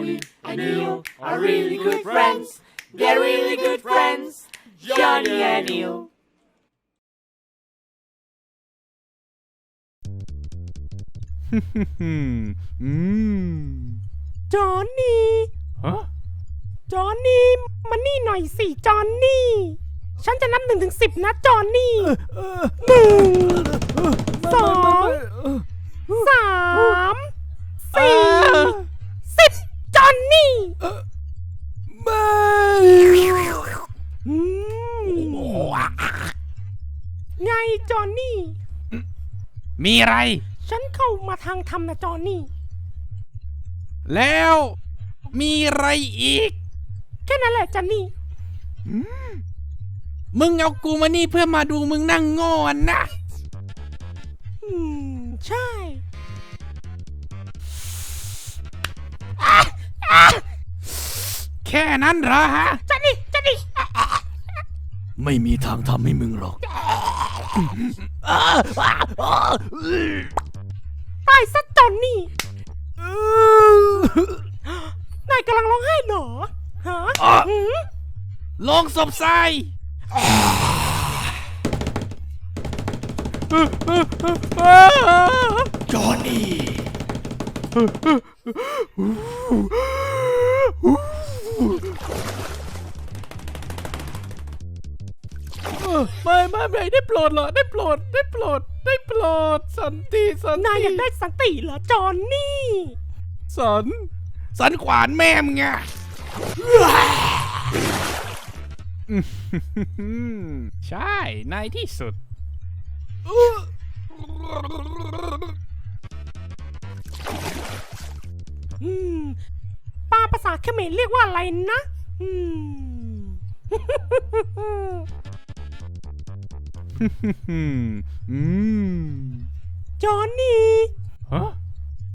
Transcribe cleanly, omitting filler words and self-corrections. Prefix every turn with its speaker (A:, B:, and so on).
A: Johnny and Neil are really good friends. They're really good friends. Johnny and Neil.
B: จอห์นนี่จอห์นนี่มานี่หน่อยสิจอห์นนี่ฉันจะนับ1 ถึง 10นะจอห์นนี่1 2 3 4 10จอห์นนี่ไงจอห์นนี่
C: มีอะไร
B: ฉันเข้ามาทางธรรมนะจอห์นนี่
C: แล้วมีอะไรอีก
B: แค่นั้นแหละจอห์นนี่
C: มึงเอากูมานี่เพื่อมาดูมึงนั่งโง่นะ
B: ใช่
C: แค่นั้นเหรอฮะ
B: จอห์นนี่
C: ไม่มีทางทำให้มึงหรอก
B: ตายซะจอห์นนี่นายกำลังร้องไห้เหรอฮะ
C: ลงศพทรายจอห์นนี่ไม่ได้โปรดเหรอได้โปรดสันติ
B: นายอยากได้สันติเหรอจอห์นนี่
C: สันขวานแม่มึงไงใช่ในที่สุด
B: ปลาภาษาเขมรเรียกว่าอะไรนะจอห์นนี่